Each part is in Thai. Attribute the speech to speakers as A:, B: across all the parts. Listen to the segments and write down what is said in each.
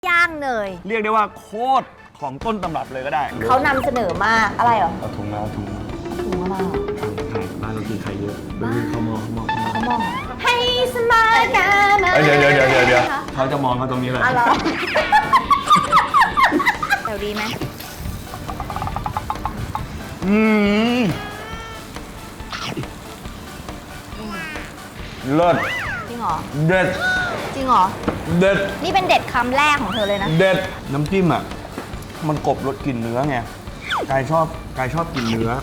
A: ย่างเนย
B: เรียกได้ว่าโคตรของต้นตำรับเลยก็ได้
A: เขานำเสนอมากอะไรเหรอ
B: เอาถุงมาถุง
A: อะไร
B: ไข่บ้านเรากินไข่เยอะเขามอง
A: ให้สมายกามา
B: เดี๋ยวเขาจะมองเขาตรงนี้เลย
A: อะไรเดี๋ยวดีไหม
B: เลิศ
A: จริงเหรอ
B: เด็ด
A: จริงเหรอ
B: เด็ด
A: นี่เป็นเด็ดคำแรกของเธอเลยนะ
B: เด็ดน้ำจิ้มอ่ะมันกลบรสกลิ่นเนื้อไงกายชอบกลิ่นเนื้อ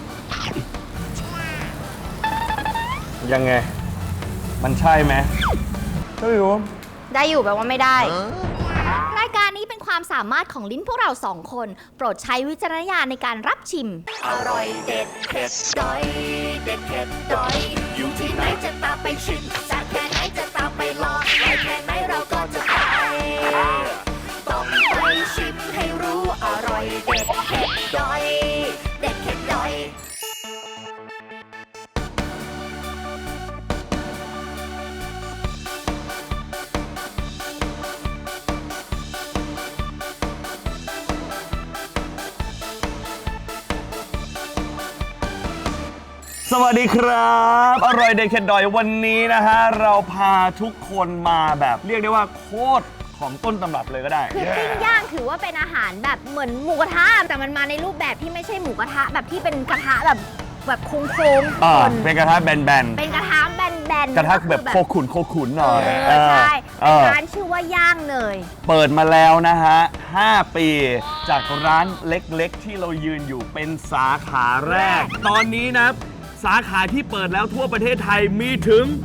B: ยังไงมันใช่ไหมไม่รู้
A: ได้อยู่แปลว่าไม่ได้รายการนี้เป็นความสามารถของลิ้นพวกเราสองคนโปรดใช้วิจารณญาณในการรับชิมอร่อยเด็ดเผ็ดดอยเด็ดเผ็ดดอยอยู่ที่ไหนจะตามไปชิมจากแค่ไหนจะตามไปลองไปแค่ไหนเราก็จะไปต้องไปชิมให้รู้อร่อยเด็ดเผ็ดดอยเด็ดเผ็ดดอย
B: สวัสดีครับอร่อยเด็ดเข็ดดอยวันนี้นะฮะเราพาทุกคนมาแบบเรียกได้ว่าโคตรของต้นตำรับเลยก็ได้
A: คือปิ้งย่างถือว่าเป็นอาหารแบบเหมือนหมูกระทะแต่มันมาในรูปแบบที่ไม่ใช่หมูกระทะแบบที่เป็นกระทะแบบโค้ง
B: เป็นกระทะแบน
A: เป็นกระทะแบน
B: กระทะแบบโคขุนหน่อย
A: ใช่ร้านชื่อว่าย่างเนย
B: เปิดมาแล้วนะฮะ5 ปีจากร้านเล็กๆที่เรายืนอยู่เป็นสาขาแรกตอนนี้นะสาขาที่เปิดแล้วทั่วประเทศไทยมีถึง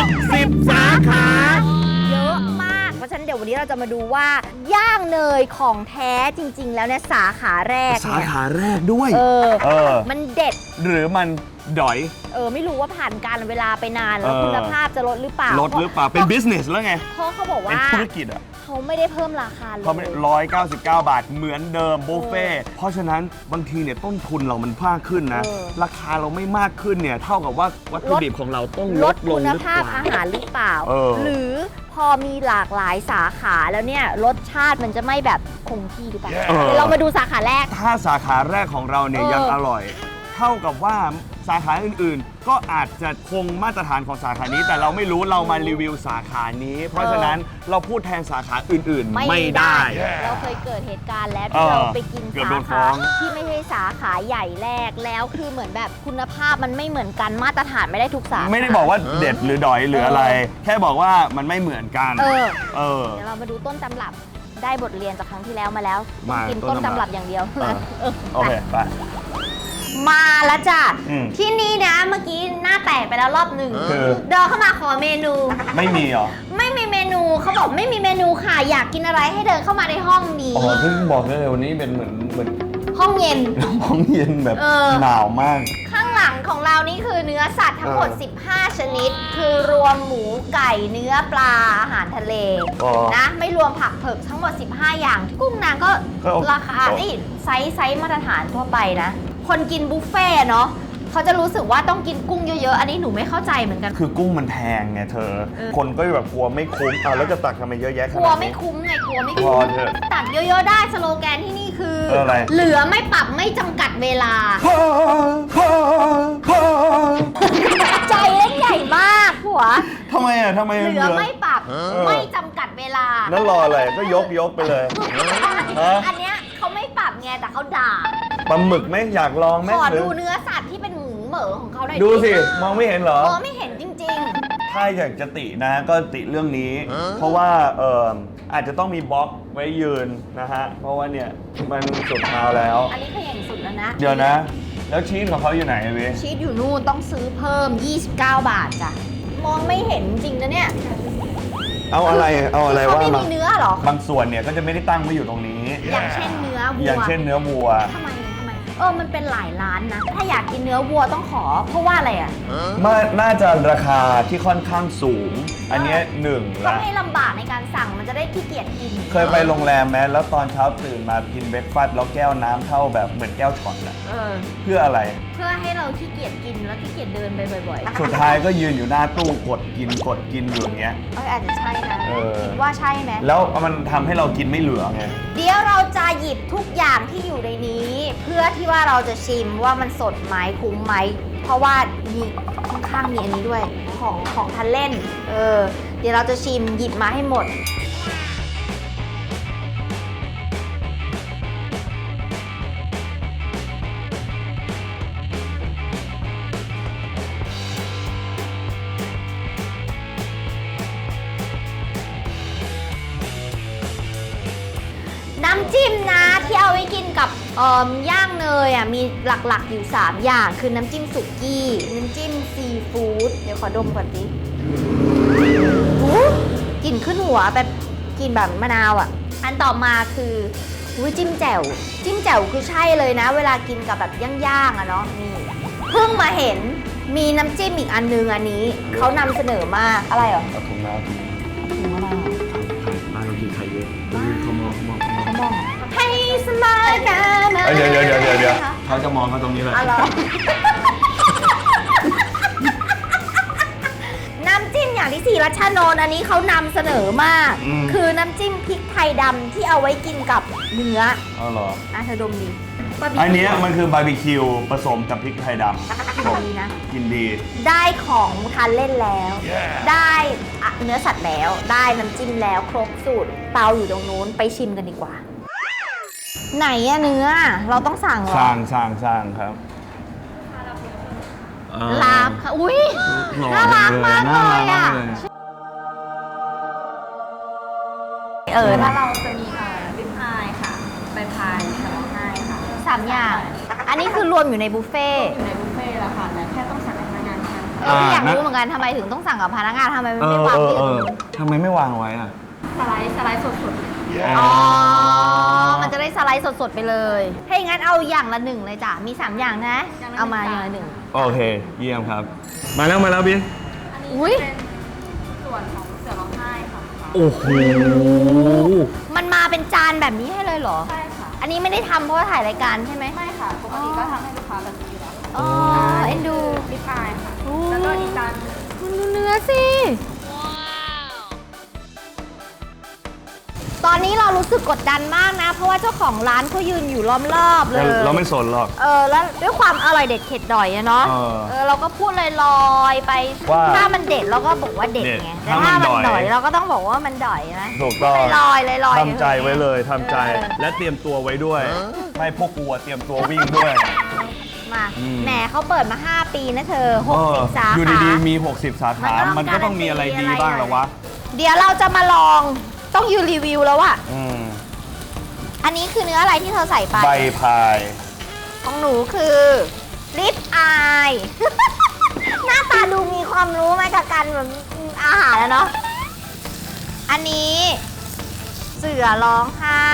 B: 60 สาขา
A: เยอะมากเพราะฉะนั้นเดี๋ยววันนี้เราจะมาดูว่าย่างเนยของแท้จริงๆแล้วเนี่ยสาขาแรก
B: ด้วย
A: มันเด็ด
B: หรือมันดอย
A: ไม่รู้ว่าผ่านการเวลาไปนานแล้วคุณภาพจะลดหรือเปล่า
B: เป็น business แล้วไง
A: เพราะเขาบอกว่า
B: เป็นธุรกิจ
A: เขาไม่ได้เพิ่มราคาเลย
B: เขาไม่199 บาทเหมือนเดิมบุฟเฟ่เพราะฉะนั้นบางทีเนี่ยต้นทุนเรามันมากขึ้นนะราคาเราไม่มากขึ้นเนี่ยเท่ากับว่าวัตถุดิบของเราต้องลดลง
A: คุณภาพอาหารหรือเปล่าหรือพอมีหลากหลายสาขาแล้วเนี่ยรสชาติมันจะไม่แบบคงที่หรือเปล่าเรามาดูสาขาแรก
B: ถ้าสาขาแรกของเราเนี่ยยังอร่อยเท่ากับว่าสาขาอื่นๆก็อาจจะคงมาตรฐานของสาขานี้แต่เราไม่รู้เรามารีวิวสาขานี้เพราะฉะนั้นเราพูดแทนสาขาอื่นๆไม่ได้
A: เราเคยเกิดเหตุการณ์แล้วที่เราไปกินสาขาที่ไม่ใช่สาขาใหญ่แรกแล้วคือเหมือนแบบคุณภาพมันไม่เหมือนกันมาตรฐานไม่ได้ทุกสาขา
B: ไม่ได้บอกว่าเด็ดหรือดอยหรืออะไรแค่บอกว่ามันไม่เหมือนกัน
A: เดี๋ยวเรามาดูต้นตำรับได้บทเรียนจากครั้งที่แล้วมาแล้วกินต้นตำรับอย่างเดียว
B: โอเคไป
A: มาแล้วจ้ะที่นี่นะเมื่อกี้หน้าแตกไปแล้วรอบหนึ่งเดินเข้ามาขอเมนู
B: ไม่มีหรอ
A: ไม่มีเมนูเขาบอกไม่มีเมนูค่ะอยากกินอะไรให้เดินเข้ามาในห้องนี้
B: เพิ่งบอกเลยวันนี้เป็นเหมือน
A: ห้องเย็น
B: แบบหนาวมาก
A: ข้างหลังของเรานี่คือเนื้อสัตว์ทั้งหมด15 ชนิดคือรวมหมูไก่เนื้อปลาอาหารทะเลนะไม่รวมผักเผือกทั้งหมด15 อย่างกุ้งนางก็ราคาไซส์มาตรฐานทั่วไปนะคนกินบุฟเฟ่เนาะเขาจะรู้สึกว่าต้องกินกุ้งเยอะๆอันนี้หนูไม่เข้าใจเหมือนกัน
B: คือกุ้งมันแพงไงเธอคนก็แบบกลัวไม่คุ้มแล้วจะตักทำไมเยอะแยะขนาดนี้
A: กลัวไม่คุ้มไงกลัวไม่คุ้มตักเยอะๆได้สโลแกนที่นี่คือเหลือไม่ปรับไม่จำกัดเวลาใจเล่นใหญ่มากผัว
B: ทำไม
A: เหลือไม่ปรับไม่จำกัดเวลา
B: นั่นรออะไรก็ยกไปเลย
A: อันเนี้ยเขาไม่ปรับไงแต่เขาด่า
B: ปลาหมึกไหมอยากลองไหม
A: ขอดูเนื้อสัตว์ที่เป็นหมูเหม่อของเขาหน่อย
B: ดูสิมองไม่เห็นเหรอ
A: มองไม่เห็นจริง
B: ๆถ้าอยากจะตินะก็ติเรื่องนี้เพราะว่าอาจจะต้องมีบล็อกไว้ยืนนะฮะเพราะว่าเนี่ยมันสุดเท้าแล้ว
A: อันนี้คืออย่างสุดแล้วนะ
B: เดี๋ยวนะแล้วชีสของเขาอยู่ไหนเว้ย
A: ชีสอยู่นู่นต้องซื้อเพิ่ม29 บาทจ้ะมองไม่เห็นจริงนะเนี่ย
B: เอาอะไรว่า
A: ไม่มีเนื้อหรอบ
B: างส่วนเนี่ยก็จะไม่ได้ตั้งไว้อยู่ตรงนี้
A: อย่างเช่นเนื้อวัว
B: อย่างเช่นเนื้อวัว
A: ทำไมมันเป็นหลายร้านนะถ้าอยากกินเนื้อวัวต้องขอเพราะว่าอะไรอ่ะ
B: น่าจะราคาที่ค่อนข้างสูงอันนี้1
A: ละให้ลำบากในการสั่งมันจะได้ขี้เกียจกิน
B: เคยไปโรงแรมไหมแล้วตอนเช้าตื่นมากินเบรคฟาสต์แล้วแก้วน้ำเท่าแบบเหมือนแก้วช็อตอะเพื่ออะไร
A: เพื่อพื่อให้เราขี้เกียจกินแล้วขี้เกียจเดินไปบ่อยๆ
B: สุดท้ายก็ยืนอยู่หน้าตู้กดกินอยู่อย่างเงี้ย
A: อาจจะใช่นะ
B: เออ
A: คิดว่าใช่ไหม
B: แล้วมันทำให้เรากินไม่เหลือไง
A: เดี๋ยวเราจะหยิบทุกอย่างที่อยู่ในนี้ เพื่อที่ว่าเราจะชิมว่ามันสดไหมคุ้มไหมเพราะว่ามีข้างๆมีอันนี้ด้วยของทันเล่นเดี๋ยวเราจะชิมหยิบมาให้หมด น้ำจิ้มนะที่เอาไว้กินกับย่างเนยมีหลักๆอยู่ 3 อย่างคือน้ำจิ้มสุกี้ น้ำจิ้มซีฟู้ดเดี๋ยวขอดมก่อนดิกลิ่นขึ้นหัวแบบกลิ่นแบบมะนาวอันต่อมาคือจิ้มแจ่วคือใช่เลยนะ เวลากินกับแบบย่างๆเนาะนี่เพิ่งมาเห็นมีน้ำจิ้มอีกอันนึงอันนี้เขานำเสนอมากอะไรเหรอ
B: เอาถุงน้ำ
A: ถุงมะนาว
B: บ้านเรากินไข่เยอะเขามอง
A: ให้สบายกันนะ
B: เดี๋ยวเขาจะมองเขาตรงนี้เลย
A: อะไร น้ำจิ้มอย่างที่สี่รัชนนท์อันนี้เขานำเสนอมาก คือน้ำจิ้มพริกไทยดำที่เอาไว้กินกับเนื้อ
B: อ๋อเหรอ
A: เธอดมดิ
B: อันนี้มันคือบาร์บีคิวผสมกับพริกไทยดำ
A: กินดีนะ
B: กินดี
A: ได้ของทานเล่นแล้ว ได้เนื้อสัตว์แล้ว ได้น้ำจิ้มแล้วครบสูตรเตาอยู่ตรงนู้นไปชิมกันดีกว่า ไหนเนื้อเราต้องสั่งเหรอ
B: สร้างครับ
A: ลาบค่ะอุ้ยน่ารักมากเลยถ้าเราจะมีริบอายค่ะใบพายค่ะร้องไห้ค่ะ3 อย่าง อันนี้คือรวมอยู่ในบุฟเฟ่ต์
C: อยู่ในบุฟเฟ่ต์แล้วค่ะแต่แค่ต้องสั่งกับพนักงานค่ะ
A: อยากรู้เหมือนกันทำไมถึงต้องสั่งกับพนักงานทำไมไม่วางที่อื่น
B: ทำไมไม่วางไว้อ่ะ
C: สไลด์สด
A: อ๋อ มันจะได้สไลด์สดๆไปเลยถ้าอย่างนั้นเอาอย่างละ 1เลยจ้ะมี3 อย่างนะ เอามาอย่างละ 1
B: โอเค เยี่ยมครับ มาแล้วบิ๊ก
C: ๆอันนี้
A: อุ๊ย
C: เป็นส่วนของเสือร้องไห้ค่ะ
B: โอ้โห
A: มันมาเป็นจานแบบนี้ให้เลยเหรอ
C: ใช่ค่ะ
A: อันนี้ไม่ได้ทำเพราะว่าถ่ายรายการใช่ไหม
C: ไม่ค่ะ ปกติก็ทำให้ลูกค้าแบบนี้อยู่แล้วค่ะ
A: อ๋อ เอ็นดู
C: ริบอายค่ะ
A: โอ้
C: แล้วก็อีกจาน
A: คุณดูเนื้อสิ ตอนนี้เรารู้สึกกดดันมากนะ เพราะว่าเจ้าของร้านเขายืนอยู่ล้อมรอบเลย
B: เราไม่สนหรอก
A: แล้วด้วยความอร่อยเด็ดเข็ดดอยอะเนาะ เราก็พูดลอยๆไป
B: ว่า
A: ถ้ามันเด็ดเราก็บอกว่าเด็ดไง แต่ถ้ามันดอยเราก็ต้องบอกว่ามันดอยนะ
B: ถูกต้อง
A: ลอยๆ
B: ทำใจไว้เลยทำใจ และเตรียมตัวไว้ด้วย ให้พวกกูอะเตรียมตัววิ่งด้วย
A: มา
B: อืม
A: แหมเขาเปิดมา 5 ปีนะเธอ 60 สา
B: อยู่
A: ขา
B: ดีๆมี 60 สาขา มันก็ต้องมีอะไรดีบ้างหรอวะ
A: เดี๋ยวเราจะมาลองต้องยืนรีวิวแล้วอะ อันนี้คือเนื้ออะไรที่เธอใส่ไป
B: ใบพาย
A: ของหนูคือลิปอาย หน้าตาดูมีความรู้ไหมกับการแบบอาหารแล้วเนาะ อันนี้เสือร้องไห้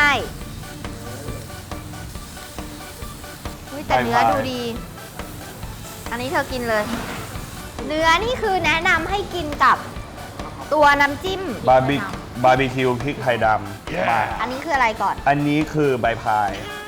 A: อุ๊ยแต่เนื้อดูดี อันนี้เธอกินเลย เนื้อนี่คือแนะนำให้กินกับตัวน้ำจิ้ม
B: บาร์บีคิวพริกไทยดำมา
A: อันนี้คืออะไรก่อน
B: อันนี้คือใบพาย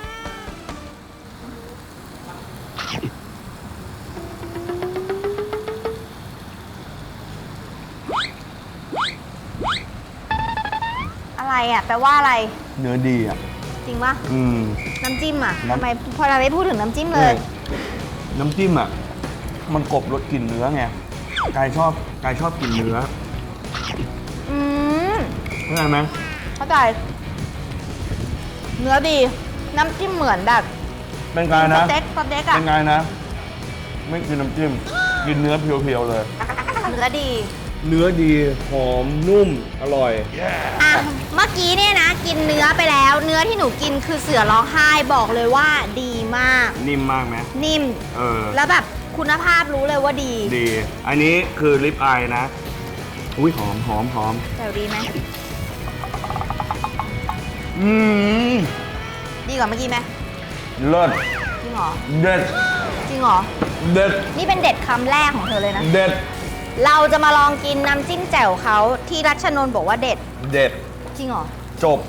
A: อะไรอ่ะแปลว่าอะไร
B: เนื้อดีอ่ะ
A: จริงปะ
B: อืม
A: น้ำจิ้มอ่ะ
B: น้ำ
A: ทำไมพอเราไม่พูดถึงน้ำจิ้มเลย
B: น้ำจิ้มอ่ะ มันกลบรสกลิ่นเนื้อไงกายชอบกินเนื้อ
A: อืม
B: เข้าใจไหม
A: เข้าใจเนื้อดี น้ำจิ้มเหมือนแบบ
B: เป็นไงนะ
A: สเต็กอ่ะ
B: เป็นไงนะ ไม่กินน้ำจิ้ม กินเนื้อเพียวๆเลย
A: เนื้อดี
B: เนื้อดี หอม นุ่ม อร่อย
A: อ่ะ เมื่อกี้เนี่ยนะ กินเนื้อไปแล้ว เนื้อที่หนูกินคือเสือร้องไห้บอกเลยว่าดีมาก
B: นิ่มมากไหม
A: นิ่ม
B: เออ
A: แล้วแบบคุณภาพรู้เลยว่าดี
B: ดี อันนี้คือลิปอายนะ อุ้ยหอม
A: แต่ดีไหม
B: อืม
A: ดีกว่าเมื่อกี้ไหม
B: เลิศ
A: จริงเหรอ
B: เด็ด
A: จริงเหรอ
B: เด็ด
A: นี่เป็นเด็ดคำแรกของเธอเลยนะ
B: เด็ด
A: เราจะมาลองกินน้ำจิ้มแจ่วเขาที่รัชนนท์บอกว่าเด็ด
B: เด็ด
A: จริงเหรอ
B: จบ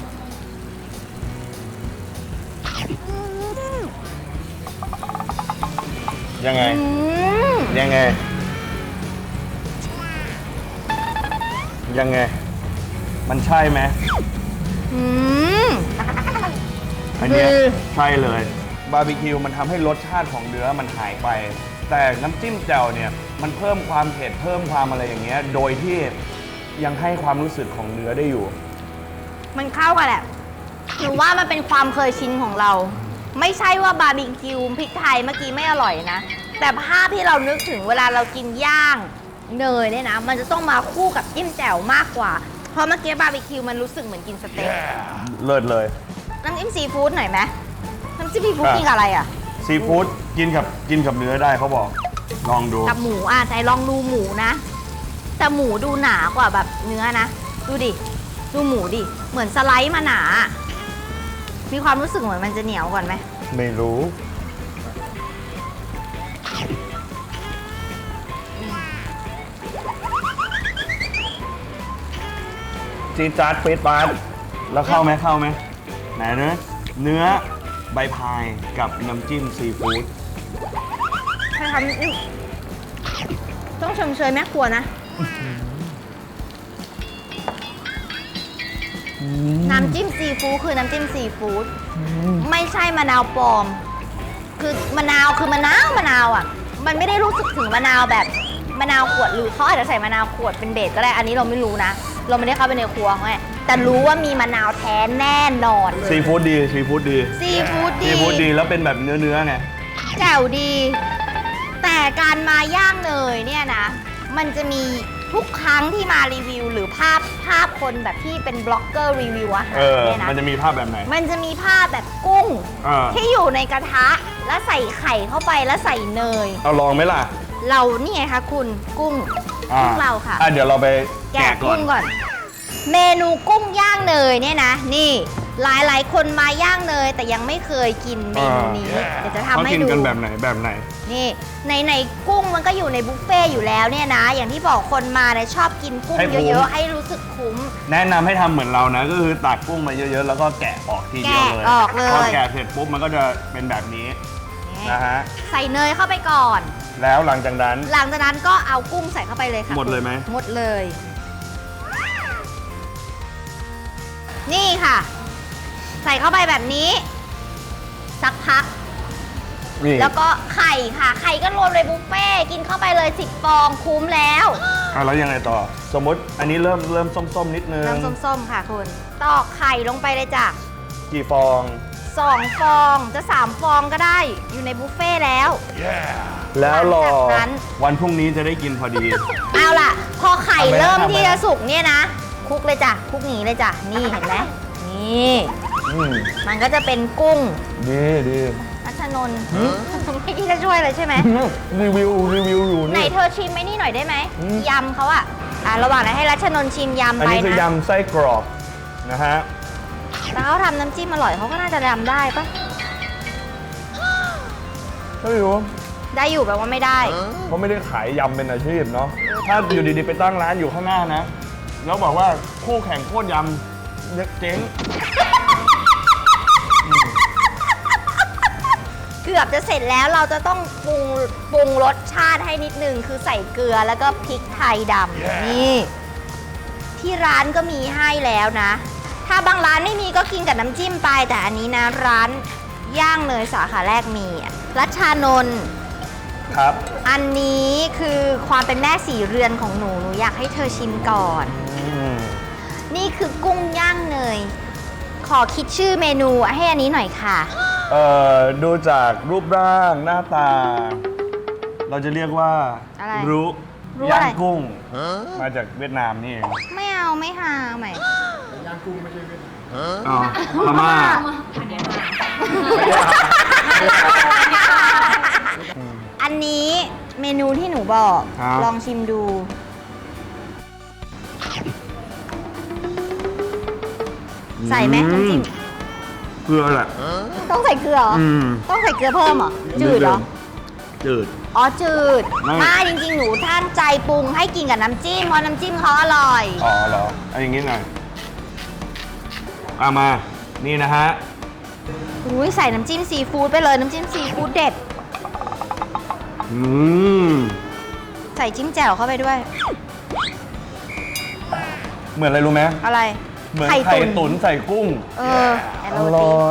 B: ดยังไง ยังไง ยังไง มันใช่ไหม
A: อืม
B: อันเนี้ย
A: คือ
B: ใช่เลย บาร์บีคิวมันทำให้รสชาติของเนื้อมันหายไป แต่น้ำจิ้มแจ่วเนี่ย มันเพิ่มความเผ็ดเพิ่มความอะไรอย่างเงี้ย โดยที่ยังให้ความรู้สึกของเนื้อได้อยู่
A: มันเข้ากันแหละหนูว่ามันเป็นความเคยชินของเรา ไม่ใช่ว่าบาร์บีคิวพริกไทยเมื่อกี้ไม่อร่อยนะ แต่ภาพที่เรานึกถึงเวลาเรากินย่างเนยเนี่ยนะ มันจะต้องมาคู่กับจิ้มแจ่วมากกว่า เพราะเมื่อกี้บาร์บีคิวมันรู้สึกเหมือนกินสเต็ก
B: เลิศเลย
A: น้ำจิ้มซีฟู้ดหน่อยไหมน้ำจิ้มซีฟู้ดกินกับอะไรอ่ะ
B: ซีฟู้ดกินกับเนื้อได้เขาบอก ลองดู
A: กับหมูอ่ะใจลองดูหมูนะ แต่หมูดูหนากว่าแบบเนื้อนะ ดูดิ ดูหมูดิ เหมือนสไลด์มาหนา มีความรู้สึกเหมือนมันจะเหนียวก่อนไหม
B: ไม่รู้ จีดจาร์ดเฟสปาร์แล้วเข้าไหมไหนเนื้อใบพายกับน้ำจิ้มซีฟู้ด
A: ใช่ทำนี่ต้องชมเชยแม่ครัวนะ น้ำจิ้มซีฟู้ดคือน้ำจิ้มซีฟู้ดไม่ใช่มะนาวปลอม คือมะนาวคือมะนาวอ่ะ มันไม่ได้รู้สึกถึงมะนาวแบบมะนาวขวดหรือเขาอาจจะใส่มะนาวขวดเป็นเบสก็ได้ อันนี้เราไม่รู้นะ เราไม่ได้เข้าไปในครัวเขาไงแต่รู้ว่ามีมะนาวแท้แน่นอนเลย
B: ซีฟู้ดดีซีฟู้ดดี
A: ซีฟู้ดดี
B: ซีฟู้ดดีแล้วเป็นแบบเนื้อไง
A: แจ่วดี แต่การมาย่างเนยเนี่ยนะ มันจะมีทุกครั้งที่มารีวิว หรือภาพคนแบบที่เป็นบล็อกเกอร์รีวิวอาหารเนี่ยนะ
B: มันจะมีภาพแบบไหน
A: มันจะมีภาพแบบกุ้ง
B: อ่า
A: ที่อยู่ในกระทะแล้วใส่ไข่เข้าไปแล้วใส่เนย
B: เอาลองไหมล่ะ
A: เรานี่ไงคะคุณกุ้งกุ้งเราค่ะ
B: เดี๋ยวเราไป
A: แกะ
B: แกะก่อน
A: กุ้งก่อน เมนูกุ้งย่างเนยเนี่ยนะ นี่หลายคนมาย่างเนยแต่ยังไม่เคยกินเมนูนี้เดี๋ยวจะทำ
B: เขา
A: ให้
B: กิน
A: ดู
B: กันแบบไหนแบบไหน
A: นี่ในกุ้งมันก็อยู่ในบุฟเฟ่ต์อยู่แล้วเนี่ยนะ อย่างที่บอกคนมาเนี่ยชอบกินกุ้ง
B: ให้คุ้ม
A: เยอะๆให้รู้สึกคุ้ม
B: แนะนำให้ทำเหมือนเรานะ ก็คือตักกุ้งมาเยอะๆ แล้วก็แกะออกทีเดียวเลย
A: แกะออกเลย
B: พอแกะเสร็จปุ๊บมันก็จะเป็นแบบนี้
A: นี่
B: นะฮะ
A: ใส่เนยเข้าไปก่อน
B: แล้วหลังจากนั้น
A: หลังจากนั้นก็เอากุ้งใส่เข้าไปเลยค่ะ
B: หมดเลยไหม
A: หมดเลย นี่ค่ะ ใส่เข้าไปแบบนี้ สักพัก
B: นี่
A: แล้วก็ไข่ค่ะ ไข่ก็รวมในบุฟเฟ่ต์กินเข้าไปเลย10ฟองคุ้มแล้ว
B: แล้วยังไงต่อ สมมติอันนี้เริ่มส้มๆนิดนึง
A: น้ำส้มๆค่ะคุณตอกไข่ลงไปเลยจ้ะ
B: กี่ฟอง
A: 2 ฟองจะ 3 ฟองก็ได้อยู่ในบุฟเฟ่ต์แล้ว
B: แล้วรอ
A: หลังจากนั้น
B: วันพรุ่งนี้จะได้กินพอดี
A: เอาล่ะ พอไข่
B: ทำไมนะ
A: เริ่ม
B: ทำไมนะ
A: ที่จะสุกเนี่ยนะคลุกเลยจ้ะคลุกหนีเลยจ้ะนี่เห็นไหมนี่
B: อืม
A: มันก็จะเป็นกุ้ง
B: ดี
A: รัชนนท์ไม่คิดจะช่วยเลยใช่ไหม
B: รีวิวอยู่
A: ไหน
B: นี่
A: เธอชิมไหมนี่หน่อยได้ไหม
B: อืม
A: ยำเขาอะระหว่างนั้นให้รัชนนท์ชิมยำ
B: อัน
A: ไป
B: นี้คือ
A: นะ
B: ยำไส้กรอกนะฮะ
A: แล้วเขาทำน้ำจิ้มอร่อยเขาก็น่าจะยำได้ปะ
B: ไม่รู้
A: ได้อยู่แบบว่าไม่ได้
B: เขาไม่ได้ขายยำเป็นอาชีพเนาะ ถ้าอยู่ดีๆไปตั้งร้านอยู่ข้างหน้านะ แล้วบอกว่าคู่แข่งโคตรยำเจ๊ง
A: เกือบจะเสร็จแล้วเราจะต้องปรุงรสชาติให้นิดนึงคือใส่เกลือแล้วก็พริกไทยดำนี่ ที่ร้านก็มีให้แล้วนะ ถ้าบางร้านไม่มีก็กินกับน้ำจิ้มไป แต่อันนี้นะร้านย่างเนยสาขาแรกมีรัชชานนท์
B: ครับ
A: อันนี้คือความเป็นแม่สีเรือนของหนูอยากให้เธอชิมก่อน นี่คือกุ้งย่างเนย ขอคิดชื่อเมนูให้อันนี้หน่อยค่ะ
B: ดูจากรูปร่างหน้าตา เราจะเรียกว่า
A: อะไร
B: รู้
A: รู้
B: ย่า
A: อะไร
B: งกุ้ง มาจากเวียดนามนี่เอง
A: ไม่เอาไม่หาใหม่
B: อ๋อพม่า
A: อันนี้เมนูที่หนูบอก
B: ครับ
A: ลองชิมดู ใส่ไหมน้ำจิ้ม
B: เกลือแหละ
A: ต้องใส่เกลือเหรอ
B: อืม
A: ต้องใส่เกลือเพิ่มเหรอ จืดเหรอ
B: จืด
A: อ๋อ จืด
B: ไม่
A: ไม่จริงๆ หนูท่านใจปรุงให้กินกับน้ำจิ้มเพราะน้ำจิ้มเขาอร่อย
B: อ๋อเหรอเอาอย่างงี้หน่อยเอามา นี่นะฮะ
A: อุ้ยใส่น้ำจิ้มซีฟู้ดไปเลยน้ำจิ้มซีฟู้ดเด็ดใส่จิ้มแจ่วเข้าไปด้วย
B: เหมือนอะไรรู้ไหม
A: อะไร
B: เหมือนไข่ตุ๋นใส่กุ้ง
A: แอน
B: อ
A: โรตี
B: ร่อย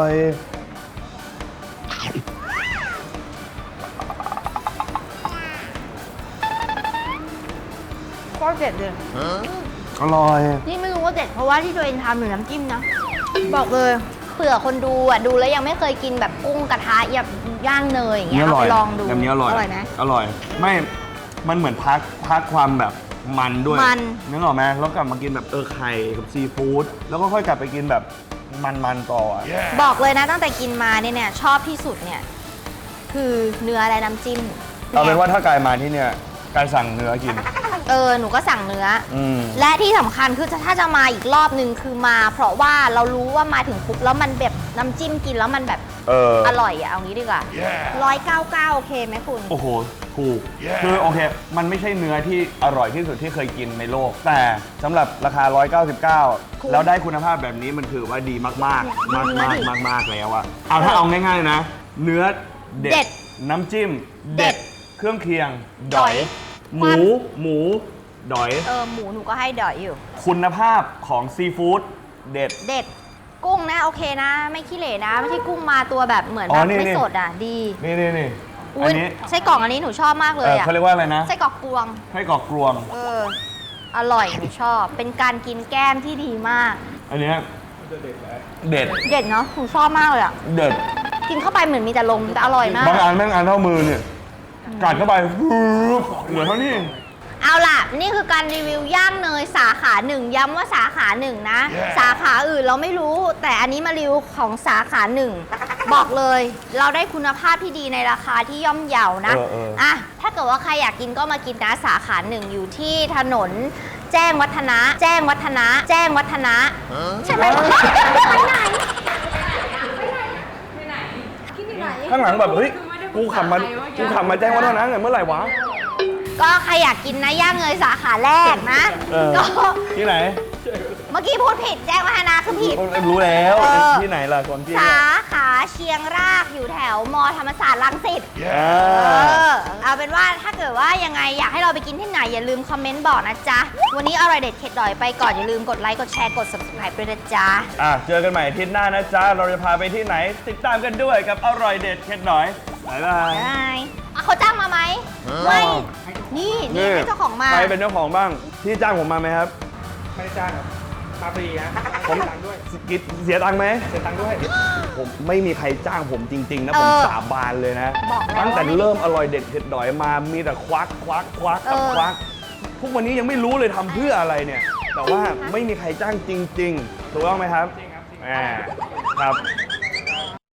A: โคตรเด็ดเลย
B: อร่อย
A: นี่ไม่รู้ว่าเด็ดเพราะว่าที่ตัวเองทำหรือน้ำจิ้มนะ บอกเลยเผื่อคนดูอ่ะดูแล้วยังไม่เคยกินแบบกุ้งกระทะแบบย่างเนยอย่างเงี้ยเอาไปลองดู
B: แบบนี้อร่อย
A: ไหม
B: อร่อย ไม่ มันเหมือนพักความแบบมันด้วย
A: มัน
B: นึกออกไหมแล้วกลับมากินแบบไข่กับซีฟู้ด แล้วก็ค่อยกลับไปกินแบบมันต่ออะ
A: บอกเลยนะตั้งแต่กินมาเนี่ยชอบที่สุดเนี่ยคือเนื้อและน้ำจิ้ม
B: เอาเป็นว่าถ้ากายมาที่เนี่ยกายสั่งเนื้อกิน
A: หนูก็สั่งเนื้ออ
B: ม
A: และที่สำคัญคือถ้าจะมาอีกรอบนึงคือมา เพราะว่าเรารู้ว่ามาถึงปุ๊บแล้วมันแบบน้ำจิ้มกินแล้วมันแบบอร่อยอะเอางี้ดีกว่า199โอเคไหมคุณ
B: โอ้โห ถูก คือโอเค มันไม่ใช่เนื้อที่อร่อยที่สุดที่เคยกินในโลก แต่สำหรับราคา 199 แล้วได้คุณภาพแบบนี้มันถือว่าดีมากๆ มากๆแล้วอะเอาถ้าเอาง่ายๆนะ เนื้อเด็
A: เด็
B: ด
A: ด
B: น้ำจิ้ม
A: เด็ด
B: เครื่องเคียง
A: ดอย
B: หมูดอย
A: หมูหนูก็ให้ดอยอยู่
B: คุณภาพของซีฟู้ดเด็ด
A: เด็ดกุ้งนะโอเคนะ ไม่ขี้เหร่นะ ไม่ใช่กุ้งมาตัวแบบเหมือน
B: อ๋
A: แบ
B: อบ นี่
A: ไม่
B: นี่
A: สดอ่ะดี
B: นี่
A: อุ๊
B: อั
A: ย
B: นนี้
A: ไส้กรอกอันนี้หนูชอบมากเลยอ่ะ
B: เขาเรียกว่าอะไรนะ
A: ไส้กรอกกวง
B: ไส้กรอกกรวง
A: อร่อยหนูชอบ เป็นการกินแก้มที่ดีมาก
B: อันเนี้ยเด็ด
A: เด็ดเนาะหนูชอบมากเลยอ่ะ
B: เด็ด
A: กินเข้าไปเหมือนมีแต่ลมแต่อร่อยมาก
B: บางอันแม่งอันเท่ามือเนี่ยกัดเข้าไปเหมือนเท่านี้
A: เอาล่ะ นี่คือการรีวิวย่างเนยสาขาหนึ่งย้ำว่าสาขาหนึ่งนะ สาขาอื่นเราไม่รู้ แต่อันนี้มารีวิวของสาขาหนึ่งบอกเลย เราได้คุณภาพที่ดีในราคาที่ย่อมเยานะ อ่ะถ้าเกิดว่าใครอยากกินก็มากินนะสาขาหนึ่งอยู่ที่ถนนแจ้งวัฒนะ แจ้งวัฒนะ แจ้งวัฒนะใช่ไหมไปไหน
B: ข้างหลังแบบเฮ้ยกูขับมาแจ้งวัฒนะเมื่อไหร่วะ
A: ก็ใครอยากกินนะย่างเนยสาขาแรกนะ ก็
B: ที่ไหน
A: เมื่อกี้พูดผิดแจ้งวัฒนะคือผิด
B: รู้แล้วที่ไหนล่ะคนที่
A: สาขาเชียงรากอยู่แถวมธรรมศาสตร์รังสิต เอาเป็นว่าถ้าเกิดว่ายังไงอยากให้เราไปกินที่ไหนอย่าลืมคอมเมนต์บอกนะจ๊ะ วันนี้อร่อยเด็ดเข็ดดอยไปก่อนอย่าลืมกดไลค์กดแชร์กด subscribe ด้วยนะจ๊ะ
B: เจอกันใหม่อาทิตย์หน้านะจ๊ะ เราจะพาไปที่ไหน ติดตามกันด้วยกับอร่อยเด็ดเข็ดหน่อยบ๊ายบาย
A: เขาจ้างมาไหมไม่นี่ให้เจ้าของมา
B: ใครเป็นเจ้าของบ้างพี่จ้างผมมาไหมครับ
D: ไม่ได้จ้างครับมาฟรีฮะ
B: ผม
D: เสียตังค์ด้วย
B: เสียตังค์ไหม
D: เสียตังค์ด้วย
B: ผมไม่มีใครจ้างผมจริง ๆ นะ ผมสาบานเลยนะ
A: บอกแล้ว
B: ตั้งแต่
A: ว่าไม่
B: เริ่มอร่อยเด็ดเผ็ดดอยมามีแต่ควักกับควักทุกวันนี้ยังไม่รู้เลยทำเพื่ออะไรเนี่ย แต่ว่าไม่มีใครจ้างจริง ๆ ถูกต้องไหมครับ
D: จริงครับจริง
B: ครับ